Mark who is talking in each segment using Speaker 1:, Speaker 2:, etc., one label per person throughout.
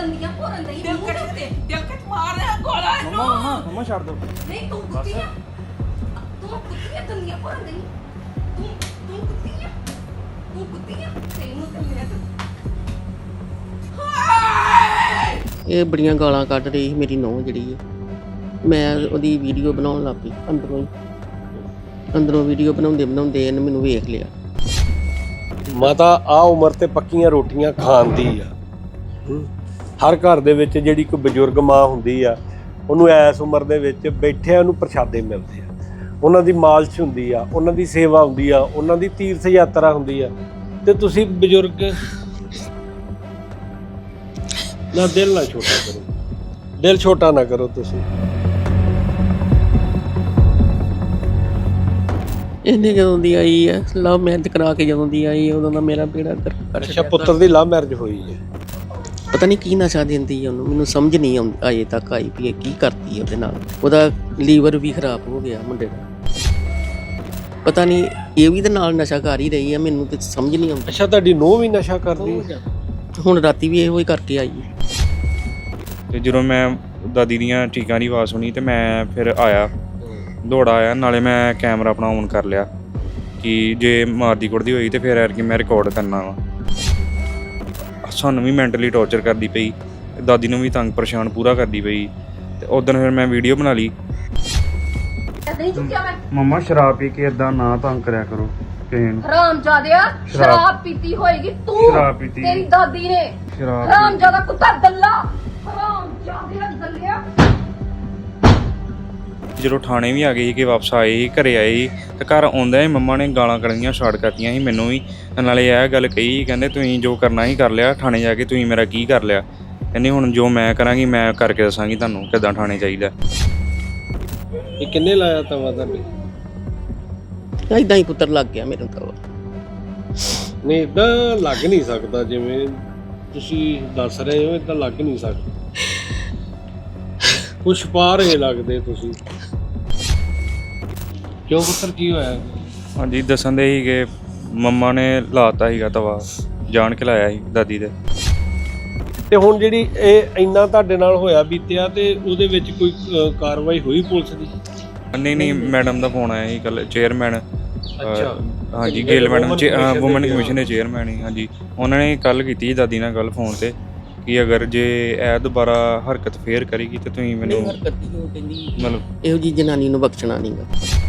Speaker 1: ਦੰਦੀਆਂ ਭੋਰਨ ਦਈ
Speaker 2: ਦਿਲ ਕੱਟ ਮਾਰ ਰਿਹਾ ਗੋਲਾ
Speaker 3: ਮਮਾ ਛੱਡ ਦੋ।
Speaker 1: ਨਹੀਂ ਤੂੰ ਕੁੱਤੀ ਆ ਤੂੰ ਕੁੱਤੀ ਆ ਦੰਦੀਆਂ ਭੋਰਨ ਦਈ ਤੂੰ ਕੁੱਤੀ ਆ ਤੈਨੂੰ ਤੇ ਮੇਰਾ
Speaker 4: ਇਹ ਬੜੀਆਂ ਗਾਲਾਂ ਕੱਢ ਰਹੀ ਸੀ ਮੇਰੀ ਨੂੰਹ ਜਿਹੜੀ ਹੈ। ਮੈਂ ਉਹਦੀ ਵੀਡੀਓ ਬਣਾਉਣ ਲੱਗ ਪਈ ਅੰਦਰੋਂ ਵੀਡੀਓ ਬਣਾਉਂਦੇ ਇਹਨੇ ਮੈਨੂੰ ਵੇਖ ਲਿਆ।
Speaker 5: ਮਾਤਾ ਆ ਉਮਰ ਤੇ ਪੱਕੀਆਂ ਰੋਟੀਆਂ ਖਾਣ ਦੀ ਆ। ਹਰ ਘਰ ਦੇ ਵਿੱਚ ਜਿਹੜੀ ਕੋਈ ਬਜ਼ੁਰਗ ਮਾਂ ਹੁੰਦੀ ਆ ਉਹਨੂੰ ਐਸ ਉਮਰ ਦੇ ਵਿੱਚ ਬੈਠਿਆਂ ਨੂੰ ਪ੍ਰਸ਼ਾਦੇ ਮਿਲਦੇ ਆ, ਉਹਨਾਂ ਦੀ ਮਾਲਸ਼ ਹੁੰਦੀ ਆ, ਉਹਨਾਂ ਦੀ ਸੇਵਾ ਹੁੰਦੀ ਆ, ਉਹਨਾਂ ਦੀ ਤੀਰਥ ਯਾਤਰਾ ਹੁੰਦੀ ਆ। ਤੇ ਤੁਸੀਂ ਬਜ਼ੁਰਗ ਨਾ ਦਿਲ ਨਾ ਛੋਟਾ ਕਰੋ, ਦਿਲ ਛੋਟਾ ਨਾ ਕਰੋ ਤੁਸੀਂ।
Speaker 4: ਇਹਨੇ ਜਦੋਂ ਦੀ ਆਈ ਹੈ ਲਵ ਮੈਰਿਜ ਕਰਾ ਕੇ ਜਦੋਂ ਦੀ ਆਈ ਉਦੋਂ ਦਾ ਮੇਰਾ ਬੇੜਾ
Speaker 5: ਅੱਛਾ, ਪੁੱਤਰ ਦੀ ਲਵ ਮੈਰਿਜ ਹੋਈ ਹੈ।
Speaker 4: ਪਤਾ ਨਹੀਂ ਕੀ ਨਸ਼ਾ ਦਿੰਦੀ ਹੈ ਉਹਨੂੰ, ਮੈਨੂੰ ਸਮਝ ਨਹੀਂ ਅਜੇ ਤੱਕ ਆਈ ਵੀ ਇਹ ਕੀ ਕਰਦੀ ਹੈ ਉਹਦੇ ਨਾਲ। ਉਹਦਾ ਲੀਵਰ ਵੀ ਖਰਾਬ ਹੋ ਗਿਆ ਮੁੰਡੇ ਦਾ। ਪਤਾ ਨਹੀਂ ਇਹ ਵੀ ਤੇ ਨਾਲ ਨਸ਼ਾ ਕਰ ਹੀ ਰਹੀ ਹੈ, ਮੈਨੂੰ ਤੇ ਸਮਝ ਨਹੀਂ ਆਉਂਦੀ।
Speaker 5: ਅੱਛਾ, ਤੁਹਾਡੀ ਨੂੰਹ ਵੀ ਨਸ਼ਾ ਕਰਦੀ ਹੈ?
Speaker 4: ਹੁਣ ਰਾਤੀ ਵੀ ਇਹੋ ਹੀ ਕਰਕੇ ਆਈ ਹੈ।
Speaker 3: ਤੇ ਜਦੋਂ ਮੈਂ ਦਾਦੀ ਦੀਆਂ ਟੀਕਾਂ ਦੀ ਆਵਾਜ਼ ਸੁਣੀ ਤੇ ਮੈਂ ਫਿਰ ਆਇਆ, ਦੌੜਾ ਆਇਆ। ਨਾਲੇ ਮੈਂ ਕੈਮਰਾ ਆਪਣਾ ਔਨ ਕਰ ਲਿਆ ਕਿ ਜੇ ਮਾਰਦੀ ਕੁੱਟਦੀ ਹੋਈ ਤੇ ਫਿਰ ਐਰਕੀ ਮੈਂ ਰਿਕਾਰਡ ਕਰਨਾ ਵਾ। ਸਾਨੂੰ ਵੀ ਮੈਂਟਲੀ ਟੌਰਚਰ ਕਰਦੀ ਪਈ, ਦਾਦੀ ਨੂੰ ਵੀ ਤੰਗ ਪਰੇਸ਼ਾਨ ਪੂਰਾ ਕਰਦੀ ਪਈ। ਤੇ ਉਦੋਂ ਫਿਰ ਮੈਂ ਵੀਡੀਓ ਬਣਾ ਲਈ।
Speaker 1: ਨਹੀਂ ਚੁੱਕਿਆ ਮੈਂ
Speaker 3: ਮੰਮਾ ਸ਼ਰਾਬ ਪੀ ਕੇ ਇਦਾਂ ਨਾ ਤੰਗ ਕਰਿਆ ਕਰੋ ਕਿਸੇ ਨੂੰ।
Speaker 1: ਹਰਾਮਜ਼ਾਦਿਆ ਸ਼ਰਾਬ ਪੀਤੀ ਹੋਏਗੀ ਤੂੰ,
Speaker 3: ਸ਼ਰਾਬ ਪੀਤੀ
Speaker 1: ਤੇਰੀ ਦਾਦੀ ਨੇ।
Speaker 3: ਸ਼ਰਾਬ
Speaker 1: ਹਰਾਮਜ਼ਾਦਾ ਕੁੱਤਾ ਦੱਲਾ, ਹਰਾਮਜ਼ਾਦਿਆ ਦੱਲਿਆ।
Speaker 3: ਜਦੋਂ ਥਾਣੇ ਵੀ ਆ ਗਏ ਸੀ ਕਿ ਵਾਪਸ ਆਏ ਸੀ, ਘਰੇ ਆਏ ਸੀ ਤੇ ਘਰ ਆਉਂਦਿਆਂ ਹੀ ਮੰਮਾ ਨੇ ਗਾਲਾਂ ਕੱਢਣੀਆਂ ਸਟਾਰਟ ਕਰਤੀਆਂ ਸੀ ਮੈਨੂੰ ਵੀ। ਨਾਲੇ ਇਹ ਗੱਲ ਕਹੀ, ਕਹਿੰਦੇ ਤੁਸੀਂ ਜੋ ਕਰਨਾ ਹੀ ਕਰ ਲਿਆ, ਥਾਣੇ ਜਾ ਕੇ ਤੁਸੀਂ ਮੇਰਾ ਕੀ ਕਰ ਲਿਆ। ਕਹਿੰਦੀ ਹੁਣ ਜੋ ਮੈਂ ਕਰਾਂਗੀ ਮੈਂ ਕਰਕੇ ਦੱਸਾਂਗੀ ਤੁਹਾਨੂੰ ਕਿੱਦਾਂ ਥਾਣੇ ਚਾਹੀਦਾ।
Speaker 5: ਇਹ ਕਿੰਨੇ ਲਾਇਆ ਤਵਾ ਤੁਹਾਡੇ?
Speaker 4: ਏਦਾਂ ਹੀ ਪੁੱਤਰ ਲੱਗ ਗਿਆ ਮੇਰੇ ਤਾਂ।
Speaker 5: ਨਹੀਂ, ਇਦਾਂ ਲੱਗ ਨਹੀਂ ਸਕਦਾ ਜਿਵੇਂ ਤੁਸੀਂ ਦੱਸ ਰਹੇ ਹੋ, ਇਦਾਂ ਲੱਗ ਨਹੀਂ ਸਕਦਾ। ਕੁਛ ਪਾ ਰਹੇ ਲੱਗਦੇ ਤੁਸੀਂ। ਕਿਉਂ ਪੁੱਤਰ, ਕੀ ਹੋਇਆ?
Speaker 3: ਹਾਂਜੀ, ਦੱਸਣ ਦੇ ਸੀ ਕਿ ਮੰਮਾ ਨੇ ਲਾਤਾ ਸੀਗਾ ਤਵਾ, ਜਾਣ ਕੇ ਲਾਇਆ ਸੀ ਦਾਦੀ ਦੇ।
Speaker 5: ਤੇ ਹੁਣ ਜਿਹੜੀ ਇਹ ਇੰਨਾ ਤੁਹਾਡੇ ਨਾਲ ਹੋਇਆ ਬੀਤਿਆ ਤੇ ਉਹਦੇ ਵਿੱਚ ਕੋਈ ਕਾਰਵਾਈ ਹੋਈ ਪੁਲਿਸ ਦੀ?
Speaker 3: ਨਹੀਂ, ਮੈਡਮ ਦਾ ਫੋਨ ਆਇਆ ਸੀ ਕੱਲ, ਚੇਅਰਮੈਨ।
Speaker 5: ਅੱਛਾ,
Speaker 3: ਹਾਂਜੀ, ਗਿੱਲ ਮੈਡਮ ਵੂਮਨ ਕਮਿਸ਼ਨ ਦੇ ਚੇਅਰਮੈਨ ਹੀ। ਹਾਂਜੀ, ਉਹਨਾਂ ਨੇ ਕੱਲ ਕੀਤੀ ਦਾਦੀ ਨਾਲ ਗੱਲ ਫੋਨ ਤੇ ਕਿ ਅਗਰ ਜੇ ਇਹ ਦੁਬਾਰਾ ਹਰਕਤ ਫੇਰ ਕਰੇਗੀ ਤੇ ਤੁਸੀਂ ਮੈਨੂੰ ਮਤਲਬ
Speaker 4: ਇਹੋ ਜੀ ਜਨਾਨੀ ਨੂੰ ਬਖਸ਼ਣਾ ਨਹੀਂਗਾ।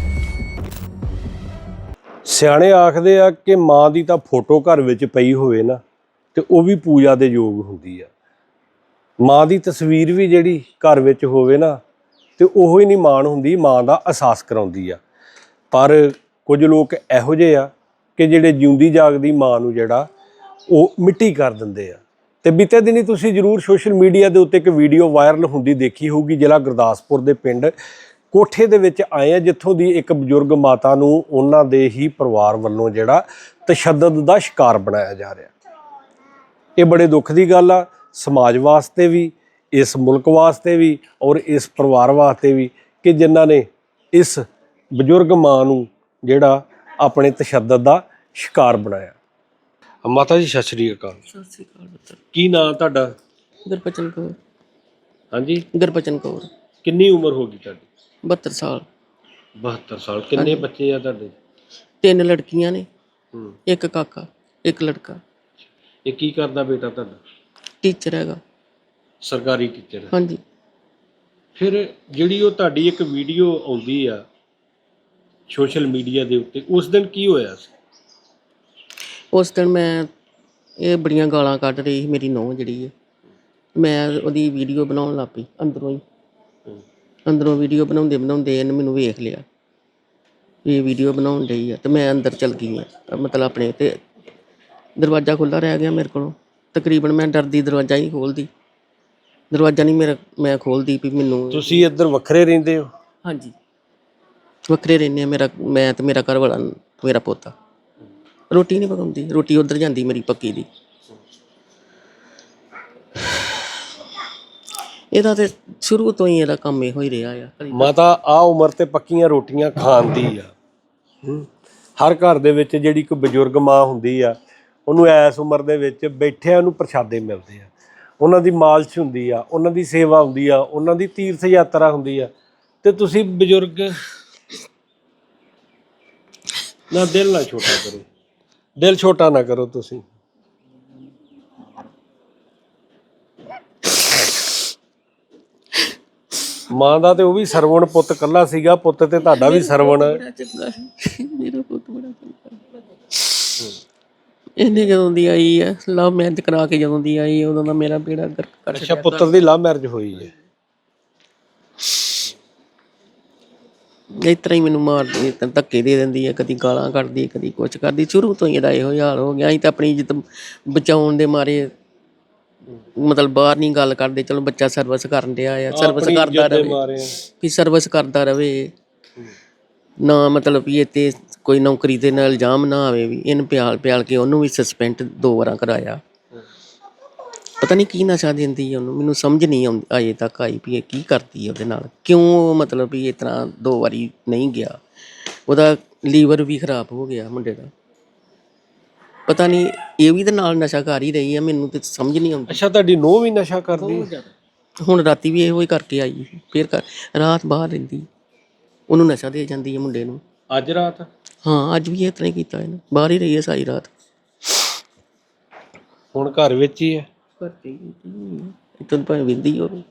Speaker 5: ਸਿਆਣੇ ਆਖਦੇ ਆ ਕਿ ਮਾਂ ਦੀ ਤਾਂ ਫੋਟੋ ਘਰ ਵਿੱਚ ਪਈ ਹੋਵੇ ਨਾ ਤੇ ਉਹ ਵੀ ਪੂਜਾ ਦੇ ਯੋਗ ਹੁੰਦੀ ਆ। ਮਾਂ ਦੀ ਤਸਵੀਰ ਵੀ ਜਿਹੜੀ ਘਰ ਵਿੱਚ ਹੋਵੇ ਨਾ ਤੇ ਉਹੋ ਹੀ ਨਹੀਂ ਮਾਣ ਹੁੰਦੀ, ਮਾਂ ਦਾ ਅਹਿਸਾਸ ਕਰਾਉਂਦੀ ਆ। ਪਰ ਕੁਝ ਲੋਕ ਇਹੋ ਜਿਹੇ ਆ ਕਿ ਜਿਹੜੇ ਜਿਉਂਦੀ ਜਾਗਦੀ ਮਾਂ ਨੂੰ ਜਿਹੜਾ ਉਹ ਮਿੱਟੀ ਕਰ ਦਿੰਦੇ ਆ। ਤੇ ਬੀਤੇ ਦਿਨੀ ਤੁਸੀਂ ਜ਼ਰੂਰ ਸੋਸ਼ਲ ਮੀਡੀਆ ਦੇ ਉੱਤੇ ਇੱਕ ਵੀਡੀਓ ਵਾਇਰਲ ਹੁੰਦੀ ਦੇਖੀ ਹੋਊਗੀ। ਜ਼ਿਲ੍ਹਾ ਗੁਰਦਾਸਪੁਰ ਦੇ ਪਿੰਡ ਕੋਠੇ ਦੇ ਵਿੱਚ ਆਏ ਆ, ਜਿੱਥੋਂ ਦੀ ਇੱਕ ਬਜ਼ੁਰਗ ਮਾਤਾ ਨੂੰ ਉਹਨਾਂ ਦੇ ਹੀ ਪਰਿਵਾਰ ਵੱਲੋਂ ਜਿਹੜਾ ਤਸ਼ੱਦਦ ਦਾ ਸ਼ਿਕਾਰ ਬਣਾਇਆ ਜਾ ਰਿਹਾ। ਇਹ ਬੜੇ ਦੁੱਖ ਦੀ ਗੱਲ ਆ, ਸਮਾਜ ਵਾਸਤੇ ਵੀ, ਇਸ ਮੁਲਕ ਵਾਸਤੇ ਵੀ ਔਰ ਇਸ ਪਰਿਵਾਰ ਵਾਸਤੇ ਵੀ, ਕਿ ਜਿਨ੍ਹਾਂ ਨੇ ਇਸ ਬਜ਼ੁਰਗ ਮਾਂ ਨੂੰ ਜਿਹੜਾ ਆਪਣੇ ਤਸ਼ੱਦਦ ਦਾ ਸ਼ਿਕਾਰ ਬਣਾਇਆ। ਮਾਤਾ ਜੀ ਸਤਿ ਸ਼੍ਰੀ ਅਕਾਲ।
Speaker 4: ਸਤਿ ਸ਼੍ਰੀ ਅਕਾਲ ਪੁੱਤਰ।
Speaker 5: ਕੀ ਨਾਂ ਤੁਹਾਡਾ?
Speaker 4: ਗੁਰਬਚਨ ਕੌਰ।
Speaker 5: ਹਾਂਜੀ,
Speaker 4: ਗੁਰਬਚਨ ਕੌਰ।
Speaker 5: ਕਿੰਨੀ ਉਮਰ ਹੋ ਗਈ ਤੁਹਾਡੀ?
Speaker 4: 72 ਸਾਲ।
Speaker 5: 72 ਸਾਲ। ਕਿੰਨੇ ਬੱਚੇ ਆ ਤੁਹਾਡੇ?
Speaker 4: 3 ਲੜਕੀਆਂ ਨੇ, ਇੱਕ ਕਾਕਾ, ਇੱਕ ਲੜਕਾ।
Speaker 5: ਇਹ ਕੀ ਕਰਦਾ ਬੇਟਾ ਤੁਹਾਡਾ?
Speaker 4: ਟੀਚਰ ਹੈਗਾ,
Speaker 5: ਸਰਕਾਰੀ ਟੀਚਰ।
Speaker 4: ਹਾਂਜੀ।
Speaker 5: ਫਿਰ ਜਿਹੜੀ ਉਹ ਤੁਹਾਡੀ ਇੱਕ ਵੀਡੀਓ ਆਉਂਦੀ ਆ ਸੋਸ਼ਲ ਮੀਡੀਆ ਦੇ ਉੱਤੇ, ਉਸ ਦਿਨ ਕੀ ਹੋਇਆ ਸੀ?
Speaker 4: ਉਸ ਦਿਨ ਮੈਂ ਇਹ ਬੜੀਆਂ ਗਾਲਾਂ ਕੱਢ ਰਹੀ ਸੀ ਮੇਰੀ ਨੂੰਹ ਜਿਹੜੀ ਹੈ। ਮੈਂ ਉਹਦੀ ਵੀਡੀਓ ਬਣਾਉਣ ਲੱਗ ਪਈ ਅੰਦਰੋਂ ਵੀਡੀਓ ਬਣਾਉਂਦੇ ਇਹਨੇ ਮੈਨੂੰ ਵੇਖ ਲਿਆ ਵੀ ਇਹ ਵੀਡੀਓ ਬਣਾਉਣ ਡਈ ਆ। ਤੇ ਮੈਂ ਅੰਦਰ ਚਲ ਗਈ ਹਾਂ, ਮਤਲਬ ਆਪਣੇ, ਤੇ ਦਰਵਾਜ਼ਾ ਖੁੱਲ੍ਹਾ ਰਹਿ ਗਿਆ ਮੇਰੇ ਕੋਲੋਂ। ਤਕਰੀਬਨ ਮੈਂ ਡਰਦੀ ਦਰਵਾਜ਼ਾ ਹੀ ਖੋਲ੍ਹਦੀ, ਦਰਵਾਜ਼ਾ ਨਹੀਂ ਮੈਂ ਖੋਲ੍ਹਦੀ ਵੀ ਮੈਨੂੰ।
Speaker 5: ਤੁਸੀਂ ਇੱਧਰ ਵੱਖਰੇ ਰਹਿੰਦੇ ਹੋ?
Speaker 4: ਹਾਂਜੀ, ਵੱਖਰੇ ਰਹਿੰਦੇ ਹਾਂ। ਮੈਂ ਤੇ ਮੇਰਾ ਘਰ ਵਾਲਾ, ਮੇਰਾ ਪੋਤਾ। ਰੋਟੀ ਨਹੀਂ ਪਕਾਉਂਦੀ, ਰੋਟੀ ਉੱਧਰ ਜਾਂਦੀ ਮੇਰੀ ਪੱਕੀ ਦੀ। ਇਹਦਾ ਤੇ ਸ਼ੁਰੂ ਤੋਂ ਹੀ ਇਹਦਾ ਕੰਮ ਇਹੋ ਹੀ ਰਿਹਾ ਆ।
Speaker 5: ਮਾਤਾ ਆ ਉਮਰ ਤੇ ਪੱਕੀਆਂ ਰੋਟੀਆਂ ਖਾਣ ਦੀ ਆ। ਹਰ ਘਰ ਦੇ ਵਿੱਚ ਜਿਹੜੀ ਕੋਈ ਬਜ਼ੁਰਗ ਮਾਂ ਹੁੰਦੀ ਆ ਉਹਨੂੰ ਐਸ ਉਮਰ ਦੇ ਵਿੱਚ ਬੈਠਿਆਂ ਨੂੰ ਪ੍ਰਸ਼ਾਦੇ ਮਿਲਦੇ ਆ, ਉਹਨਾਂ ਦੀ ਮਾਲਸ਼ ਹੁੰਦੀ ਆ, ਉਹਨਾਂ ਦੀ ਸੇਵਾ ਹੁੰਦੀ ਆ, ਉਹਨਾਂ ਦੀ ਤੀਰਥ ਯਾਤਰਾ ਹੁੰਦੀ ਆ, ਤੇ ਤੁਸੀਂ ਬਜ਼ੁਰਗ ਨਾ ਦਿਲ ਨਾ ਛੋਟਾ ਕਰੋ, ਦਿਲ ਛੋਟਾ ਨਾ ਕਰੋ ਤੁਸੀਂ। ਮਾਂ ਦਾ ਤੇ ਉਹ ਵੀ ਸਰਵਣ ਪੁੱਤ ਕੱਲਾ ਸੀਗਾ, ਪੁੱਤ ਤੇ ਤੁਹਾਡਾ ਵੀ ਸਰਵਣ ਹੈ।
Speaker 4: ਬੜਾ ਚੰਗਾ ਸੀ ਮੇਰਾ ਪੁੱਤ, ਬੜਾ ਚੰਗਾ। ਇਹਨੇ ਜਦੋਂ ਦੀ ਆਈ ਹੈ ਲਵ ਮੈਰਿਜ ਕਰਾ ਕੇ ਜਦੋਂ ਦੀ ਆਈ ਉਦੋਂ ਦਾ ਮੇਰਾ ਬੇੜਾ ਗਰਕ ਕਰ
Speaker 5: ਅੱਛਾ, ਪੁੱਤਰ ਦੀ ਲਵ ਮੈਰਿਜ ਹੋਈ ਹੈ।
Speaker 4: ਇਸ ਤਰ੍ਹਾਂ ਹੀ ਮੈਨੂੰ ਮਾਰਦੀ, ਧੱਕੇ ਦੇ ਦਿੰਦੀ ਹੈ, ਕਦੀ ਗਾਲਾਂ ਕੱਢਦੀ, ਕਦੀ ਕੁਛ ਕਰਦੀ। ਸ਼ੁਰੂ ਤੋਂ ਹੀ ਇਹਦਾ ਇਹੋ ਹਾਲ ਹੋ ਗਿਆ। ਅਸੀਂ ਤਾਂ ਆਪਣੀ ਇੱਜ਼ਤ ਬਚਾਉਣ ਦੇ ਮਾਰੇ ਮਤਲਬ ਬਾਹਰ ਨਹੀਂ ਗੱਲ ਕਰਦੇ। ਚਲੋ ਬੱਚਾ ਸਰਵਿਸ ਕਰਨ ਡਿਆ ਆ, ਸਰਵਿਸ ਕਰਦਾ ਰਵੇ, ਵੀ ਸਰਵਿਸ ਕਰਦਾ ਰਵੇ ਨਾ, ਮਤਲਬ ਵੀ ਇਹ ਤੇ ਕੋਈ ਨੌਕਰੀ ਦੇ ਨਾਲ ਇਲਜ਼ਾਮ ਨਾ ਆਵੇ। ਵੀ ਇਹਨੂੰ ਪਿਆਲ ਕੇ ਉਹਨੂੰ ਵੀ ਸਸਪੈਂਡ 2 ਵਾਰਾਂ ਕਰਾਇਆ। ਪਤਾ ਨਹੀਂ ਕੀ ਨਸ਼ਾ ਦਿੰਦੀ ਹੈ ਉਹਨੂੰ, ਮੈਨੂੰ ਸਮਝ ਨਹੀਂ ਆਉਂਦੀ ਅਜੇ ਤੱਕ ਆਈ ਵੀ ਇਹ ਕੀ ਕਰਦੀ ਹੈ ਉਹਦੇ ਨਾਲ, ਕਿਉਂ ਮਤਲਬ ਵੀ ਇਸ ਤਰ੍ਹਾਂ 2 ਵਾਰੀ ਨਹੀਂ ਗਿਆ। ਉਹਦਾ ਲੀਵਰ ਵੀ ਖਰਾਬ ਹੋ ਗਿਆ ਮੁੰਡੇ ਦਾ। ਪਤਾ ਨਹੀਂ ਇਹ ਵੀ ਤੇ ਨਾਲ ਨਸ਼ਾ ਕਰ ਹੀ ਰਹੀ ਹੈ, ਮੈਨੂੰ ਤੇ ਸਮਝ ਨਹੀਂ ਆਉਂਦੀ।
Speaker 5: ਅੱਛਾ, ਤੁਹਾਡੀ ਨੂੰਹ ਵੀ ਨਸ਼ਾ ਕਰਦੀ ਹੈ?
Speaker 4: ਹੁਣ ਰਾਤੀ ਵੀ ਇਹੋ ਹੀ ਕਰਕੇ ਆਈ, ਫਿਰ ਰਾਤ ਬਾਹਰ ਰਹਿੰਦੀ, ਉਹਨੂੰ ਨਸ਼ਾ ਦੇ ਜਾਂਦੀ ਹੈ ਮੁੰਡੇ ਨੂੰ।
Speaker 5: ਅੱਜ ਰਾਤ?
Speaker 4: ਹਾਂ, ਅੱਜ ਵੀ ਇਸ ਤਰ੍ਹਾਂ ਹੀ ਕੀਤਾ ਇਹਨੇ, ਬਾਹਰ ਹੀ ਰਹੀ ਹੈ ਸਾਰੀ ਰਾਤ।
Speaker 5: ਹੁਣ ਘਰ ਵਿੱਚ ਹੀ ਹੈ?
Speaker 4: ਇੱਥੇ ਭਾਵੇਂ ਵਿੰਦੀ ਹੋਵੇ।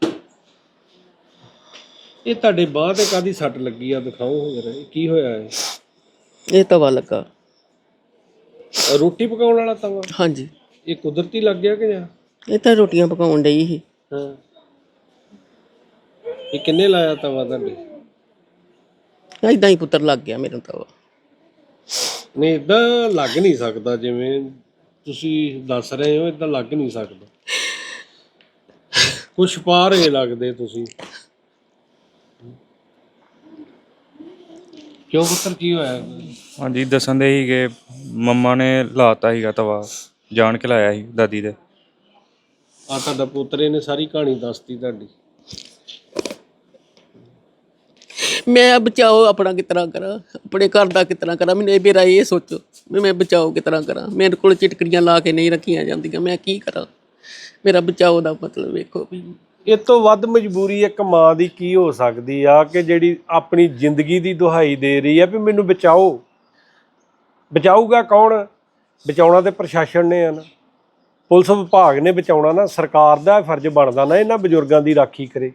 Speaker 5: ਇਹ ਤੁਹਾਡੇ ਬਾਂਹ ਤੇ ਕਾਹਦੀ ਸੱਟ ਲੱਗੀ ਆ? ਦਿਖਾਓ ਜਰਾ, ਕੀ ਹੋਇਆ ਹੈ?
Speaker 4: ਇਹ ਤਵਾ ਲੱਗਾ।
Speaker 5: ਰੋਟੀ ਪਕਾਉਣ ਵਾਲਾ ਤਵਾ?
Speaker 4: ਹਾਂਜੀ।
Speaker 5: ਇਹ ਕੁਦਰਤੀ ਲੱਗ ਗਿਆ ਕਿ ਜਾਂ?
Speaker 4: ਇਹ ਤਾਂ ਰੋਟੀਆਂ ਪਕਾਉਣ ਡਈ ਸੀ।
Speaker 5: ਹਾਂ, ਇਹ ਕਿੰਨੇ ਲਾਇਆ ਤਵਾ ਤੁਹਾਡੇ?
Speaker 4: ਏਦਾਂ ਹੀ ਪੁੱਤਰ ਲੱਗ ਗਿਆ ਮੇਰਾ ਤਵਾ।
Speaker 5: ਨਹੀਂ, ਏਦਾਂ ਲੱਗ ਨਹੀਂ ਸਕਦਾ ਜਿਵੇਂ ਤੁਸੀਂ ਦੱਸ ਰਹੇ ਹੋ, ਏਦਾਂ ਲੱਗ ਨਹੀਂ ਸਕਦਾ। ਕੁਛ ਪਾ ਰਹੇ ਲੱਗਦੇ ਤੁਸੀਂ। ਕਿਉਂ ਪੁੱਤਰ, ਕੀ ਹੋਇਆ?
Speaker 3: ਹਾਂਜੀ, ਦੱਸਣ ਦੇ ਸੀਗੇ ਮੰਮਾ ਨੇ ਲਾਤਾ ਸੀਗਾ ਤਵਾ, ਜਾਣ ਕੇ ਲਾਇਆ ਸੀ ਦਾਦੀ ਦੇ।
Speaker 5: ਆ ਤੁਹਾਡਾ ਪੋਤਰੇ ਨੇ ਸਾਰੀ ਕਹਾਣੀ ਦੱਸਤੀ ਤੁਹਾਡੀ।
Speaker 4: ਮੈਂ ਬਚਾਓ ਆਪਣਾ ਕਿਸ ਤਰ੍ਹਾਂ ਕਰਾਂ, ਆਪਣੇ ਘਰ ਦਾ ਕਿਸ ਤਰ੍ਹਾਂ ਕਰਾਂ, ਮੈਨੂੰ ਇਹ ਮੇਰਾ ਇਹ ਸੋਚੋ ਵੀ ਮੈਂ ਬਚਾਓ ਕਿਸ ਤਰ੍ਹਾਂ ਕਰਾਂ। ਮੇਰੇ ਕੋਲ ਚਿਟਕੜੀਆਂ ਲਾ ਕੇ ਨਹੀਂ ਰੱਖੀਆਂ ਜਾਂਦੀਆਂ, ਮੈਂ ਕੀ ਕਰਾਂ? ਮੇਰਾ ਬਚਾਓ ਦਾ ਮਤਲਬ ਵੇਖੋ ਵੀ।
Speaker 5: ਇਹ ਤੋਂ ਵੱਧ ਮਜਬੂਰੀ ਇੱਕ ਮਾਂ ਦੀ ਕੀ ਹੋ ਸਕਦੀ ਆ ਕਿ ਜਿਹੜੀ ਆਪਣੀ ਜ਼ਿੰਦਗੀ ਦੀ ਦੁਹਾਈ ਦੇ ਰਹੀ ਆ ਵੀ ਮੈਨੂੰ ਬਚਾਓ। ਬਚਾਊਗਾ ਕੌਣ? ਬਚਾਉਣਾ ਤੇ ਪ੍ਰਸ਼ਾਸਨ ਨੇ ਆ ਨਾ, ਪੁਲਿਸ ਵਿਭਾਗ ਨੇ ਬਚਾਉਣਾ ਨਾ। ਸਰਕਾਰ ਦਾ ਫਰਜ਼ ਬਣਦਾ ਨਾ ਇਹਨਾਂ ਬਜ਼ੁਰਗਾਂ ਦੀ ਰਾਖੀ ਕਰੇ।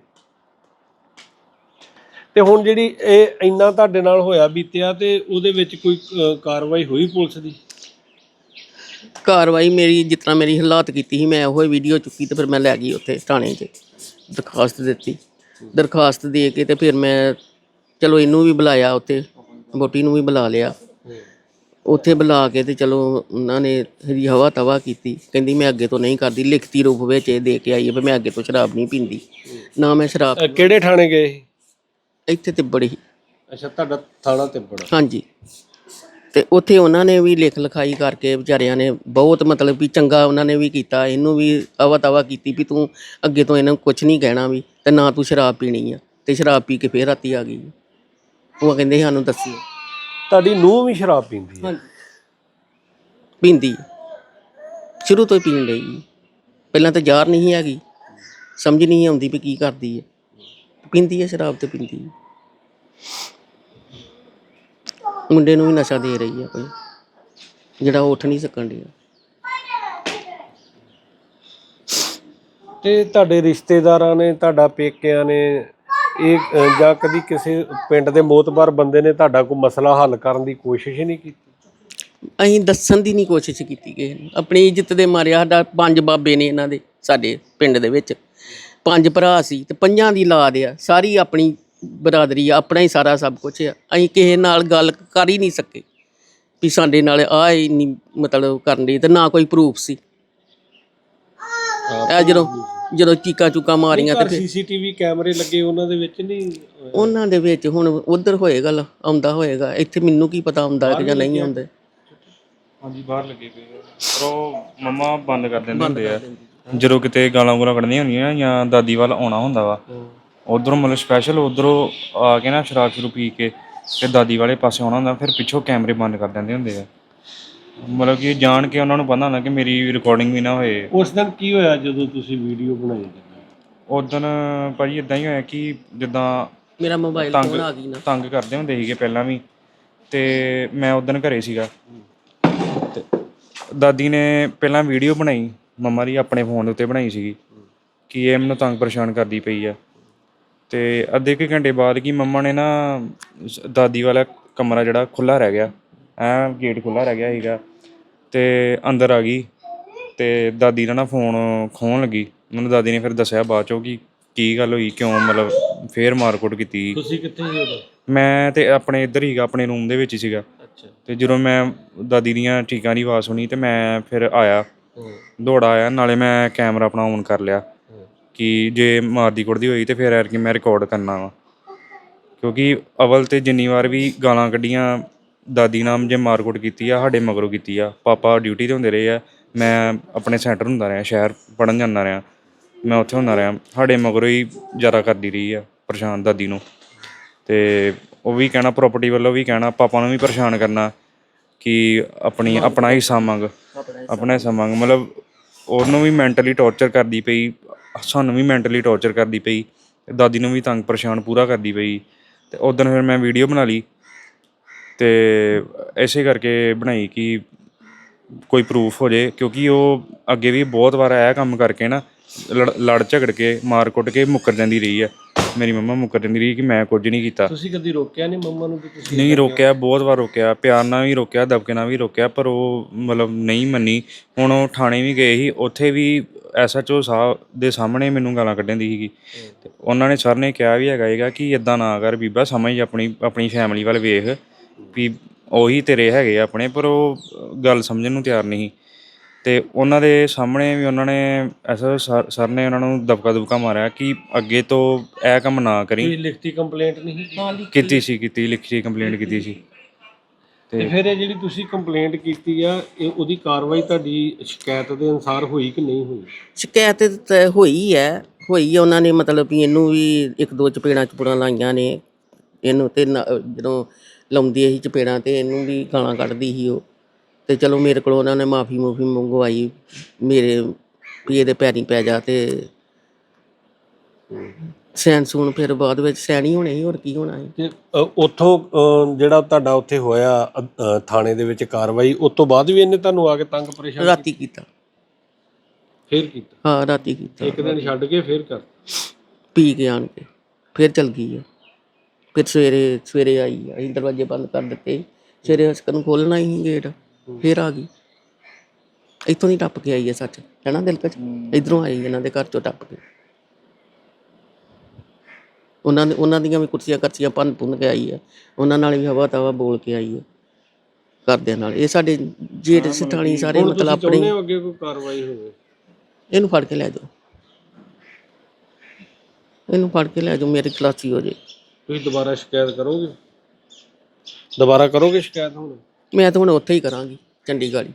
Speaker 5: ਤੇ ਹੁਣ ਜਿਹੜੀ ਇਹ ਇੰਨਾ ਤੁਹਾਡੇ ਨਾਲ ਹੋਇਆ ਬੀਤਿਆ, ਤੇ ਉਹਦੇ ਵਿੱਚ ਕੋਈ ਕਾਰਵਾਈ ਹੋਈ ਪੁਲਿਸ ਦੀ?
Speaker 4: ਕਾਰਵਾਈ ਮੇਰੀ ਜਿਸ ਤਰ੍ਹਾਂ ਮੇਰੀ ਹਾਲਾਤ ਕੀਤੀ ਸੀ, ਮੈਂ ਉਹ ਵੀਡੀਓ ਚੁੱਕੀ ਤੇ ਫਿਰ ਮੈਂ ਲੈ ਗਈ ਉੱਥੇ ਥਾਣੇ 'ਚ, ਦਰਖਾਸਤ ਦਿੱਤੀ। ਦਰਖਾਸਤ ਦੇ ਕੇ ਤੇ ਫਿਰ ਮੈਂ ਚਲੋ ਇਹਨੂੰ ਵੀ ਬੁਲਾਇਆ, ਉੱਥੇ ਵਹੁਟੀ ਨੂੰ ਵੀ ਬੁਲਾ ਲਿਆ। ਉੱਥੇ ਬੁਲਾ ਕੇ ਤੇ ਚਲੋ ਉਹਨਾਂ ਨੇ ਇਹਦੀ ਹਵਾ ਤਵਾ ਕੀਤੀ। ਕਹਿੰਦੀ ਮੈਂ ਅੱਗੇ ਤੋਂ ਨਹੀਂ ਕਰਦੀ, ਲਿਖਤੀ ਰੂਪ ਵਿੱਚ ਇਹ ਦੇ ਕੇ ਆਈ ਹੈ ਵੀ ਮੈਂ ਅੱਗੇ ਤੋਂ ਸ਼ਰਾਬ ਨਹੀਂ ਪੀਂਦੀ। ਨਾ ਮੈਂ ਸ਼ਰਾਬ।
Speaker 5: ਕਿਹੜੇ ਥਾਣੇ ਗਏ?
Speaker 4: ਇੱਥੇ ਤਿੱਬੜ ਹੀ।
Speaker 5: ਅੱਛਾ, ਤੁਹਾਡਾ ਥਾਣਾ ਤਿੱਬੜ?
Speaker 4: ਹਾਂਜੀ। ਤੇ ਉੱਥੇ ਉਹਨਾਂ ਨੇ ਵੀ ਲਿਖ ਲਿਖਾਈ ਕਰਕੇ ਵਿਚਾਰਿਆਂ ਨੇ ਬਹੁਤ ਮਤਲਬ ਵੀ ਚੰਗਾ ਉਹਨਾਂ ਨੇ ਵੀ ਕੀਤਾ। ਇਹਨੂੰ ਵੀ ਅਵਾ ਤਵਾ ਕੀਤੀ ਵੀ ਤੂੰ ਅੱਗੇ ਤੋਂ ਇਹਨਾਂ ਨੂੰ ਕੁਛ ਨਹੀਂ ਕਹਿਣਾ ਵੀ, ਤੇ ਨਾ ਤੂੰ ਸ਼ਰਾਬ ਪੀਣੀ ਆ। ਤੇ ਸ਼ਰਾਬ ਪੀ ਕੇ ਫੇਰ ਰਾਤੀ ਆ ਗਈ। ਉਹ ਕਹਿੰਦੇ ਸਾਨੂੰ ਦੱਸਿਓ।
Speaker 5: ਤੁਹਾਡੀ ਨੂੰਹ ਵੀ ਸ਼ਰਾਬ ਪੀਂਦੀ ਹੈ?
Speaker 4: ਪੀਂਦੀ ਸ਼ੁਰੂ ਤੋਂ ਹੀ ਪੀਣ ਡਈ। ਪਹਿਲਾਂ ਤਾਂ ਜ਼ਾਰ ਨਹੀਂ ਹੈਗੀ, ਸਮਝ ਨਹੀਂ ਆਉਂਦੀ ਵੀ ਕੀ ਕਰਦੀ ਹੈ। ਪੀਂਦੀ ਹੈ ਸ਼ਰਾਬ ਤੇ ਪੀਂਦੀ ਹੈ। ਮੁੰਡੇ ਨੂੰ ਵੀ ਨਸ਼ਾ ਦੇ ਰਹੀ ਹੈ ਕੋਈ, ਜਿਹੜਾ ਉੱਠ ਨਹੀਂ ਸਕਣ ਡਿਆ।
Speaker 5: ਤੇ ਤੁਹਾਡੇ ਰਿਸ਼ਤੇਦਾਰਾਂ ਨੇ, ਤੁਹਾਡਾ ਪੇਕਿਆਂ ਨੇ ਇਹ ਜਾਂ ਕਦੀ ਕਿਸੇ ਪਿੰਡ ਦੇ ਮੋਤਬਰ ਬੰਦੇ ਨੇ ਤੁਹਾਡਾ ਕੋਈ ਮਸਲਾ ਹੱਲ ਕਰਨ ਦੀ ਕੋਸ਼ਿਸ਼ ਹੀ ਨਹੀਂ ਕੀਤੀ?
Speaker 4: ਅਸੀਂ ਦੱਸਣ ਦੀ ਨਹੀਂ ਕੋਸ਼ਿਸ਼ ਕੀਤੀ ਕਿਸੇ ਨੂੰ। ਆਪਣੀ ਇੱਜ਼ਤ ਦੇ ਮਾਰੇ ਸਾਡਾ 5 ਬਾਬੇ ਨੇ ਇਹਨਾਂ ਦੇ, ਸਾਡੇ ਪਿੰਡ ਦੇ ਵਿੱਚ 5 ਭਰਾ ਸੀ ਤੇ 5 ਦੀ ਔਲਾਦ ਆ। ਸਾਰੀ ਆਪਣੀ ਬਰਾਦਰੀ ਆ, ਆਪਣਾ ਹੀ ਸਾਰਾ ਸਭ ਕੁਛ ਆ। ਅਸੀਂ ਕਿਸੇ ਨਾਲ ਗੱਲ ਕਰ ਹੀ ਨਹੀਂ ਸਕੇ ਵੀ ਸਾਡੇ ਨਾਲ ਆਹ ਇੰਨੀ ਮਤਲਬ ਕਰਨ ਦੀ, ਤੇ ਨਾ ਕੋਈ ਪ੍ਰੂਫ ਸੀ। ਜਦੋਂ ਚੀਕਾਂ ਚੂਕਾਂ ਮਾਰੀਆਂ ਤੇ
Speaker 5: ਸੀਸੀਟੀਵੀ ਕੈਮਰੇ ਲੱਗੇ ਉਹਨਾਂ ਦੇ ਵਿੱਚ ਨਹੀਂ?
Speaker 4: ਉਹਨਾਂ ਦੇ ਵਿੱਚ ਹੁਣ ਉਧਰ ਹੋਏਗਾ, ਆਉਂਦਾ ਹੋਏਗਾ। ਇੱਥੇ ਮੈਨੂੰ ਕੀ ਪਤਾ ਆਉਂਦਾ ਕਿ ਜਾਂ ਨਹੀਂ ਆਉਂਦੇ।
Speaker 3: ਹਾਂਜੀ, ਬਾਹਰ ਲੱਗੇ ਪਏ ਪਰ ਉਹ ਮੰਮਾ ਬੰਦ ਕਰ ਦਿੰਦੇ ਹੁੰਦੇ ਆ। ਜਦੋਂ ਕਿਤੇ ਗਾਲਾਂ ਗੂਲਾਂ ਕੱਢਣੀਆਂ ਹੁੰਦੀਆਂ ਜਾਂ ਦਾਦੀ ਵੱਲ ਆਉਣਾ ਹੁੰਦਾ ਵਾ, ਉੱਧਰੋਂ ਮਤਲਬ ਸਪੈਸ਼ਲ ਉੱਧਰੋਂ ਆ ਕੇ ਨਾ ਸ਼ਰਾਬ ਸ਼ੁਰੂ ਪੀ ਕੇ ਤੇ ਦਾਦੀ ਵਾਲੇ ਪਾਸੇ ਆਉਣਾ ਹੁੰਦਾ, ਫਿਰ ਪਿੱਛੋਂ ਕੈਮਰੇ ਬੰਦ ਕਰ ਦਿੰਦੇ ਹੁੰਦੇ ਆ। ਮਤਲਬ ਕਿ ਜਾਣ ਕੇ ਉਹਨਾਂ ਨੂੰ ਪਤਾ ਹੁੰਦਾ ਕਿ ਮੇਰੀ ਰਿਕਾਰਡਿੰਗ ਵੀ ਨਾ ਹੋਏ।
Speaker 5: ਉਸ ਦਿਨ ਕੀ ਹੋਇਆ ਜਦੋਂ ਤੁਸੀਂ ਵੀਡੀਓ ਬਣਾਈ?
Speaker 3: ਉਦੋਂ ਭਾਜੀ ਇਦਾਂ ਹੀ ਹੋਇਆ ਕਿ ਜਿੱਦਾਂ
Speaker 4: ਮੇਰਾ ਮੋਬਾਈਲ
Speaker 3: ਤੰਗ
Speaker 4: ਫੋਨ ਆ ਗਈ ਨਾ।
Speaker 3: ਤੰਗ ਕਰਦੇ ਹੁੰਦੇ ਸੀਗੇ ਪਹਿਲਾਂ ਵੀ, ਤੇ ਮੈਂ ਉਦੋਂ ਘਰੇ ਸੀਗਾ ਤੇ ਦਾਦੀ ਨੇ ਪਹਿਲਾਂ ਵੀਡੀਓ ਬਣਾਈ ਮੰਮਾ ਦੀ ਆਪਣੇ ਫੋਨ ਦੇ ਉੱਤੇ ਬਣਾਈ ਸੀਗੀ ਕਿ ਇਹ ਮੈਨੂੰ ਤੰਗ ਪਰੇਸ਼ਾਨ ਕਰਦੀ ਪਈ ਆ। ਤੇ ਅੱਧੇ ਕੁ ਘੰਟੇ ਬਾਅਦ ਕਿ ਮੰਮਾ ਨੇ ਨਾ ਦਾਦੀ ਵਾਲਾ ਕਮਰਾ ਜਿਹੜਾ ਖੁੱਲ੍ਹਾ ਰਹਿ ਗਿਆ, ਗੇਟ ਖੁੱਲ੍ਹਾ ਰਹਿ ਗਿਆ ਸੀਗਾ, ਤੇ ਅੰਦਰ ਆ ਗਈ ਤੇ ਦਾਦੀ ਦਾ ਨਾ ਫੋਨ ਖੋਹਣ ਲੱਗੀ। ਮੈਨੂੰ ਦਾਦੀ ਨੇ ਫਿਰ ਦੱਸਿਆ ਬਾਅਦ ਚੋਂ ਕਿ ਕੀ ਗੱਲ ਹੋਈ, ਕਿਉਂ ਮਤਲਬ ਫੇਰ ਮਾਰਕੁੱਟ ਕੀਤੀ।
Speaker 5: ਤੁਸੀਂ ਕਿੱਥੇ ਸੀ ਉਦੋਂ?
Speaker 3: ਮੈਂ ਤੇ ਆਪਣੇ ਇੱਧਰ ਹੀਗਾ, ਆਪਣੇ ਰੂਮ ਦੇ ਵਿੱਚ ਹੀ ਸੀਗਾ।
Speaker 5: ਅੱਛਾ।
Speaker 3: ਤੇ ਜਦੋਂ ਮੈਂ ਦਾਦੀ ਦੀਆਂ ਚੀਕਾਂ ਦੀ ਆਵਾਜ਼ ਸੁਣੀ ਤੇ ਮੈਂ ਫਿਰ ਆਇਆ, ਦੌੜਾ ਆਇਆ, ਨਾਲੇ ਮੈਂ ਕੈਮਰਾ ਆਪਣਾ ਔਨ ਕਰ ਲਿਆ ਕਿ ਜੇ ਮਾਰਦੀ ਕੁੱਟਦੀ ਹੋਈ ਤੇ ਫਿਰ ਐਰਕੀ ਮੈਂ ਰਿਕਾਰਡ ਕਰਨਾ ਵਾ। ਕਿਉਂਕਿ ਅਵਲ ਤੇ ਜਿੰਨੀ ਵਾਰ ਵੀ ਗਾਲਾਂ ਕੱਢੀਆਂ ਦਾਦੀ ਨਾਲ ਜੇ ਮਾਰਕੁੱਟ ਕੀਤੀ ਆ ਸਾਡੇ ਮਗਰੋਂ ਕੀਤੀ ਆ। ਪਾਪਾ ਡਿਊਟੀ 'ਤੇ ਹੁੰਦੇ ਰਹੇ ਆ, ਮੈਂ ਆਪਣੇ ਸੈਂਟਰ ਹੁੰਦਾ ਰਿਹਾ, ਸ਼ਹਿਰ ਪੜ੍ਹਨ ਜਾਂਦਾ ਰਿਹਾ, ਮੈਂ ਉੱਥੇ ਹੁੰਦਾ ਰਿਹਾ। ਸਾਡੇ ਮਗਰੋਂ ਹੀ ਜ਼ਿਆਦਾ ਕਰਦੀ ਰਹੀ ਆ ਪਰੇਸ਼ਾਨ ਦਾਦੀ ਨੂੰ। ਤੇ ਉਹ ਵੀ ਕਹਿਣਾ ਪ੍ਰੋਪਰਟੀ ਵੱਲੋਂ ਵੀ ਕਹਿਣਾ, ਪਾਪਾ ਨੂੰ ਵੀ ਪਰੇਸ਼ਾਨ ਕਰਨਾ ਕਿ ਆਪਣਾ ਹਿੱਸਾ ਮੰਗ, ਆਪਣਾ ਹਿੱਸਾ ਮੰਗ। ਮਤਲਬ ਉਹਨੂੰ ਵੀ ਮੈਂਟਲੀ ਟੌਰਚਰ ਕਰਦੀ ਪਈ, ਸਾਨੂੰ ਵੀ ਮੈਂਟਲੀ ਟੌਰਚਰ ਕਰਦੀ ਪਈ, ਦਾਦੀ ਨੂੰ ਵੀ ਤੰਗ ਪਰੇਸ਼ਾਨ ਪੂਰਾ ਕਰਦੀ ਪਈ। ਤੇ ਉਦੋਂ ਫਿਰ ਮੈਂ ਵੀਡੀਓ ਬਣਾ ਲਈ ਤੇ ਇਸੇ ਕਰਕੇ ਬਣਾਈ ਕਿ ਕੋਈ ਪ੍ਰੂਫ ਹੋ ਜੇ, ਕਿਉਂਕਿ ਉਹ ਅੱਗੇ ਵੀ ਬਹੁਤ ਵਾਰ ਇਹ ਕੰਮ ਕਰਕੇ ਨਾ ਲੜ ਝਗੜ ਕੇ ਮਾਰ ਕੁੱਟ ਕੇ ਮੁੱਕਰ ਜਾਂਦੀ ਰਹੀ ਆ। ਮੇਰੀ ਮੰਮਾ ਮੁੱਕਰ ਜਾਂਦੀ ਰਹੀ ਕਿ ਮੈਂ ਕੁਝ ਨਹੀਂ ਕੀਤਾ।
Speaker 5: ਤੁਸੀਂ ਕਦੀ ਰੋਕਿਆ ਨਹੀਂ ਮੰਮਾ ਨੂੰ? ਤੁਸੀਂ
Speaker 3: ਨਹੀਂ ਰੋਕਿਆ, ਬਹੁਤ ਵਾਰ ਰੋਕਿਆ, ਪਿਆਰ ਨਾਲ ਵੀ ਰੋਕਿਆ, ਦਬਕੇ ਨਾਲ ਵੀ ਰੋਕਿਆ, ਪਰ ਉਹ ਮਤਲਬ ਨਹੀਂ ਮੰਨੀ। ਹੁਣ ਉਹ ਥਾਣੇ ਵੀ ਗਏ ਸੀ, ਉੱਥੇ ਵੀ SHO ਸਾਹਿਬ ਦੇ ਸਾਹਮਣੇ ਮੈਨੂੰ ਗਾਲਾਂ ਕੱਢਣ ਦੀ ਸੀਗੀ। ਤੇ ਉਹਨਾਂ ਨੇ ਸਰ ਨੇ ਕਿਹਾ ਵੀ ਹੈਗਾ ਕਿ ਇੱਦਾਂ ਨਾ ਕਰ ਬੀਬਾ, ਸਮਝ ਆਪਣੀ ਫੈਮਿਲੀ ਵੱਲ ਵੇਖ ਵੀ ਉਹੀ ਤੇਰੇ ਹੈਗੇ ਆਪਣੇ, ਪਰ ਉਹ ਗੱਲ ਸਮਝਣ ਨੂੰ ਤਿਆਰ ਨਹੀਂ। ਤੇ ਉਹਨਾਂ ਦੇ ਸਾਹਮਣੇ ਵੀ ਉਹਨਾਂ ਨੇ ਸਰ ਨੇ ਉਹਨਾਂ ਨੂੰ ਦਬਕਾ ਮਾਰਿਆ ਕਿ ਅੱਗੇ ਤੋਂ ਇਹ ਕੰਮ ਨਾ ਕਰੀ।
Speaker 5: ਕੋਈ ਲਿਖਤੀ ਕੰਪਲੇਂਟ ਨਹੀਂ
Speaker 3: ਕੀਤੀ ਲਿਖਤੀ ਕੰਪਲੇਂਟ ਕੀਤੀ ਸੀ।
Speaker 5: ਤੇ ਫਿਰ ਇਹ ਜਿਹੜੀ ਤੁਸੀਂ ਕੰਪਲੇਂਟ ਕੀਤੀ ਆ, ਇਹ ਉਹਦੀ ਕਾਰਵਾਈ ਤੁਹਾਡੀ ਸ਼ਿਕਾਇਤ ਦੇ ਅਨੁਸਾਰ ਹੋਈ ਕਿ ਨਹੀਂ ਹੋਈ?
Speaker 4: ਸ਼ਿਕਾਇਤ ਤਾਂ ਹੋਈ ਆ ਉਹਨਾਂ ਨੇ ਮਤਲਬ ਵੀ ਇਹਨੂੰ ਵੀ ਇੱਕ ਦੋ ਚਪੇੜਾਂ ਲਾਈਆਂ ਨੇ ਇਹਨੂੰ, ਤੇ ਜਦੋਂ ਲਾਉਂਦੀ ਸੀ ਚਪੇੜਾਂ ਤੇ ਇਹਨੂੰ ਵੀ ਗਾਲਾਂ ਕੱਢਦੀ ਸੀ ਉਹ। ਤੇ ਚਲੋ ਮੇਰੇ ਕੋਲ ਉਹਨਾਂ ਨੇ ਮਾਫੀ ਮੰਗਵਾਈ ਮੇਰੇ ਵੀ ਇਹਦੇ ਪੈਰੀਂ ਪੈ ਜਾ, ਤੇ ਸੈਨ ਸੂਨ ਫਿਰ ਬਾਅਦ ਵਿੱਚ ਸੈਣੀ ਹੋਣੇ ਸੀ, ਹੋਰ ਕੀ ਹੋਣਾ ਸੀ।
Speaker 5: ਤੇ ਉੱਥੋਂ ਜਿਹੜਾ ਤੁਹਾਡਾ ਉੱਥੇ ਹੋਇਆ ਥਾਣੇ ਦੇ ਵਿੱਚ ਕਾਰਵਾਈ, ਉਸ ਤੋਂ ਬਾਅਦ ਵੀ ਇਹਨੇ ਤੁਹਾਨੂੰ ਆ ਕੇ ਤੰਗ ਪਰੇਸ਼ਾਨ
Speaker 4: ਰਾਤੀ ਕੀਤਾ?
Speaker 5: ਫਿਰ ਕੀਤਾ?
Speaker 4: ਹਾਂ ਰਾਤੀ ਕੀਤਾ।
Speaker 5: ਇੱਕ ਦਿਨ ਛੱਡ ਕੇ ਫਿਰ ਕਰ
Speaker 4: ਪੀ ਕੇ ਆਣ ਕੇ ਫਿਰ ਚਲ ਗਈ ਆ। ਫਿਰ ਸਵੇਰੇ ਆਈ ਆ, ਅਸੀਂ ਦਰਵਾਜ਼ੇ ਬੰਦ ਕਰ ਦਿੱਤੇ, ਸਵੇਰੇ ਹਸਕਨ ਖੋਲ੍ਹਣਾ ਹੀ ਗੇਟ, ਫਿਰ ਆ ਗਈ। ਇੱਥੋਂ ਦੀ ਟੱਪ ਕੇ ਆਈ ਹੈ ਸੱਚ, ਹੈ ਨਾ ਦਿਲਕਸ਼, ਇੱਧਰੋਂ ਆਈ ਇਹਨਾਂ ਦੇ ਘਰ ਚੋਂ ਟੱਪ ਕੇ। ਉਹਨਾਂ ਦੀਆਂ ਵੀ ਕੁਰਸੀਆਂ ਕਰਸੀਆਂ ਭੰਨ ਕੇ ਆਈ ਹੈ, ਉਹਨਾਂ ਨਾਲ ਵੀ ਹਵਾ ਤਵਾ ਬੋਲ ਕੇ ਆਈ ਹੈ ਘਰਦਿਆਂ ਨਾਲ। ਇਹ ਸਾਡੇ ਜੇਠ ਸਠਾਣੀ ਸਾਰੇ ਮਤਲਬ ਆਪਣੇ।
Speaker 5: ਅੱਗੇ ਕੋਈ ਕਾਰਵਾਈ ਹੋਵੇ?
Speaker 4: ਇਹਨੂੰ ਫੜ ਕੇ ਲੈ ਜਾਓ, ਇਹਨੂੰ ਫੜ ਕੇ ਲੈ ਜਾਓ, ਮੇਰੀ ਖਲਾਸੀ ਹੋ ਜੇ।
Speaker 5: ਤੁਸੀਂ ਦੁਬਾਰਾ ਸ਼ਿਕਾਇਤ ਕਰੋਗੇ? ਦੁਬਾਰਾ ਕਰੋਗੇ ਸ਼ਿਕਾਇਤ? ਹੁਣ
Speaker 4: ਮੈਂ ਤਾਂ ਹੁਣ ਉੱਥੇ ਹੀ ਕਰਾਂਗੀ, ਚੰਡੀਗੜ੍ਹ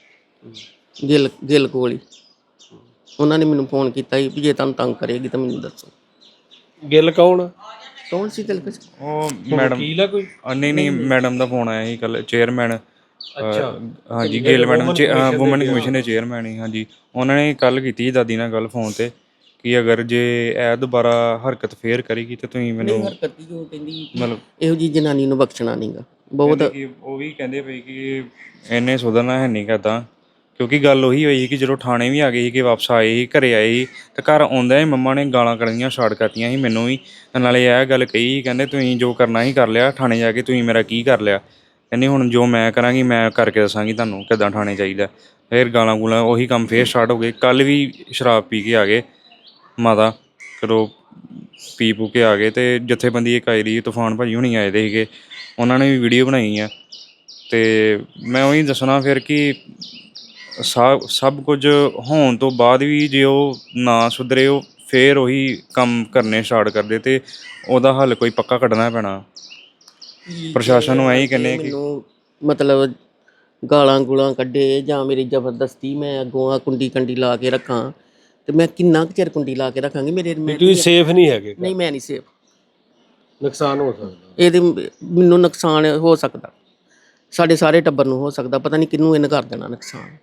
Speaker 4: ਗਿੱਲ ਕੋਲ ਹੀ। ਉਹਨਾਂ ਨੇ ਮੈਨੂੰ ਫੋਨ ਕੀਤਾ ਸੀ ਵੀ ਜੇ ਤੁਹਾਨੂੰ ਤੰਗ ਕਰੇਗੀ ਤਾਂ ਮੈਨੂੰ ਦੱਸੋ।
Speaker 5: ਗਿੱਲ ਕੌਣ
Speaker 4: ਸੀ ਦਿਲਕਸ਼?
Speaker 3: ਉਹ ਮੈਡਮ
Speaker 5: ਵਕੀਲ ਆ ਕੋਈ?
Speaker 3: ਨਹੀਂ ਮੈਡਮ ਦਾ ਫੋਨ ਆਇਆ ਸੀ ਕੱਲ, ਚੇਅਰਮੈਨ। ਹਾਂਜੀ ਗਿੱਲ ਮੈਡਮ ਵੂਮਨ ਕਮਿਸ਼ਨ ਦੇ ਚੇਅਰਮੈਨ ਹੀ। ਹਾਂਜੀ ਉਹਨਾਂ ਨੇ ਕੱਲ ਕੀਤੀ ਦਾਦੀ ਨਾਲ ਗੱਲ ਫੋਨ ਤੇ ਕਿ ਅਗਰ ਜੇ ਇਹ ਦੁਬਾਰਾ ਹਰਕਤ ਫੇਰ ਕਰੇਗੀ ਤੇ ਤੁਸੀਂ ਮੈਨੂੰ ਮਤਲਬ
Speaker 4: ਇਹੋ ਜਿਹੀ ਜਨਾਨੀ ਨੂੰ ਬਖਸ਼ਣਾ ਨਹੀਂਗਾ ਬਹੁਤ।
Speaker 3: ਉਹ ਵੀ ਕਹਿੰਦੇ ਪਏ ਕਿ ਇਹਨੇ ਸੁਧਰਨਾ ਹੈ ਨਹੀਂ ਕਰਦਾ, ਕਿਉਂਕਿ ਗੱਲ ਉਹੀ ਹੋਈ ਕਿ ਜਦੋਂ ਥਾਣੇ ਵੀ ਆ ਗਏ ਸੀ ਕਿ ਵਾਪਸ ਆਏ ਸੀ, ਘਰੇ ਆਏ ਸੀ, ਤੇ ਘਰ ਆਉਂਦਾ ਹੀ ਮੰਮਾ ਨੇ ਗਾਲਾਂ ਕੱਢਣੀਆਂ ਸਟਾਰਟ ਕਰਤੀਆਂ ਸੀ ਮੈਨੂੰ ਵੀ। ਨਾਲੇ ਇਹ ਗੱਲ ਕਹੀ, ਕਹਿੰਦੇ ਤੁਸੀਂ ਜੋ ਕਰਨਾ ਹੀ ਕਰ ਲਿਆ, ਥਾਣੇ ਜਾ ਕੇ ਤੁਸੀਂ ਮੇਰਾ ਕੀ ਕਰ ਲਿਆ। ਕਹਿੰਦੀ ਹੁਣ ਜੋ ਮੈਂ ਕਰਾਂਗੀ ਮੈਂ ਕਰਕੇ ਦੱਸਾਂਗੀ ਤੁਹਾਨੂੰ ਕਿੱਦਾਂ ਥਾਣੇ ਚਾਹੀਦਾ। ਫਿਰ ਗਾਲਾਂ ਗੂਲਾਂ ਉਹੀ ਕੰਮ ਫੇਰ ਸਟਾਰਟ ਹੋ ਗਏ। ਕੱਲ੍ਹ ਵੀ ਸ਼ਰਾਬ ਪੀ ਕੇ ਆ ਗਏ ਮਾਤਾ, ਚਲੋ ਪੀ ਪੂ ਕੇ ਆ ਗਏ। ਅਤੇ ਜਥੇਬੰਦੀ ਇੱਕ ਆਈ ਦੀ ਤੂਫਾਨ ਭਾਜੀ ਹੁਣੀ ਆਏ ਦੇ ਸੀਗੇ, ਉਹਨਾਂ ਨੇ ਵੀ ਵੀਡੀਓ ਬਣਾਈ ਆ। ਅਤੇ ਮੈਂ ਉਹੀ ਦੱਸਣਾ ਫਿਰ ਕਿ ਸਭ ਕੁਝ ਹੋਣ ਤੋਂ ਬਾਅਦ ਵੀ ਜੇ ਉਹ ਨਾ ਸੁਧਰੇ, ਉਹ ਫਿਰ ਉਹੀ ਕੰਮ ਕਰਨੇ ਸਟਾਰਟ ਕਰਦੇ, ਅਤੇ ਉਹਦਾ ਹੱਲ ਕੋਈ ਪੱਕਾ ਕੱਢਣਾ ਪੈਣਾ। ਪ੍ਰਸ਼ਾਸਨ ਨੂੰ ਇਹੀ ਕਹਿੰਦੇ ਕਿ
Speaker 4: ਮਤਲਬ ਗਾਲਾਂ ਗੂਲਾਂ ਕੱਢੇ ਜਾਂ ਮੇਰੀ ਜ਼ਬਰਦਸਤੀ ਮੈਂ ਅੱਗੋਂ ਆ ਕੁੰਡੀ ਲਾ ਕੇ ਰੱਖਾਂ, ਤੇ ਮੈਂ ਕਿੰਨਾ ਕੁ ਚਿਰ ਕੁੰਡੀ ਲਾ ਕੇ ਰੱਖਾਂਗੀ।
Speaker 5: ਤੁਸੀਂ ਸੇਫ ਨਹੀਂ ਹੈਗੇ?
Speaker 4: ਨਹੀਂ ਮੈਂ ਨਹੀਂ ਸੇਫ।
Speaker 5: ਨੁਕਸਾਨ ਹੋ ਸਕਦਾ
Speaker 4: ਇਹਦੇ ਮੈਨੂੰ ਨੁਕਸਾਨ ਹੋ ਸਕਦਾ, ਸਾਡੇ ਸਾਰੇ ਟੱਬਰ ਨੂੰ ਹੋ ਸਕਦਾ, ਪਤਾ ਨਹੀਂ ਕਿਹਨੂੰ ਇਹਨੇ ਕਰ ਦੇਣਾ ਨੁਕਸਾਨ।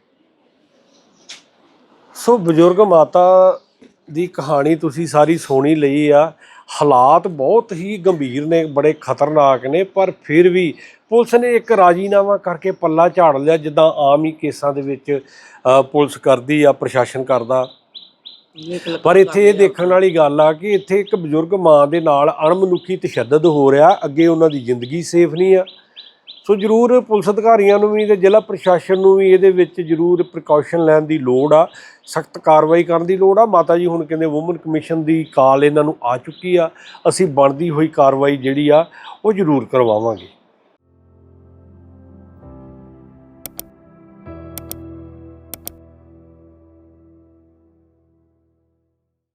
Speaker 5: ਸੋ ਬਜ਼ੁਰਗ ਮਾਤਾ ਦੀ ਕਹਾਣੀ ਤੁਸੀਂ ਸਾਰੀ ਸੁਣੀ ਲਈ ਆ। ਹਾਲਾਤ ਬਹੁਤ ਹੀ ਗੰਭੀਰ ਨੇ, ਬੜੇ ਖਤਰਨਾਕ ਨੇ, ਪਰ ਫਿਰ ਵੀ ਪੁਲਿਸ ਨੇ ਇੱਕ ਰਾਜੀਨਾਮਾ ਕਰਕੇ ਪੱਲਾ ਝਾੜ ਲਿਆ, ਜਿੱਦਾਂ ਆਮ ਹੀ ਕੇਸਾਂ ਦੇ ਵਿੱਚ ਪੁਲਿਸ ਕਰਦੀ ਆ, ਪ੍ਰਸ਼ਾਸਨ ਕਰਦਾ। ਪਰ ਇੱਥੇ ਇਹ ਦੇਖਣ ਵਾਲੀ ਗੱਲ ਆ ਕਿ ਇੱਥੇ ਇੱਕ ਬਜ਼ੁਰਗ ਮਾਂ ਦੇ ਨਾਲ ਅਣਮਨੁੱਖੀ ਤਸ਼ੱਦਦ ਹੋ ਰਿਹਾ, ਅੱਗੇ ਉਹਨਾਂ ਦੀ ਜ਼ਿੰਦਗੀ ਸੇਫ ਨਹੀਂ ਆ। ਸੋ ਜ਼ਰੂਰ ਪੁਲਿਸ ਅਧਿਕਾਰੀਆਂ ਨੂੰ ਵੀ ਤੇ ਜ਼ਿਲ੍ਹਾ ਪ੍ਰਸ਼ਾਸਨ ਨੂੰ ਵੀ ਇਹਦੇ ਵਿੱਚ ਜ਼ਰੂਰ ਪ੍ਰੀਕਾਸ਼ਨ ਲੈਣ ਦੀ ਲੋੜ ਆ, ਸਖਤ ਕਾਰਵਾਈ ਕਰਨ ਦੀ ਲੋੜ ਆ। ਮਾਤਾ ਜੀ ਹੁਣ ਕਹਿੰਦੇ ਵੂਮਨ ਕਮਿਸ਼ਨ ਦੀ ਕਾਲ ਇਹਨਾਂ ਨੂੰ ਆ ਚੁੱਕੀ ਆ, ਅਸੀਂ ਬਣਦੀ ਹੋਈ ਕਾਰਵਾਈ ਜਿਹੜੀ ਆ ਉਹ ਜ਼ਰੂਰ ਕਰਵਾਵਾਂਗੇ।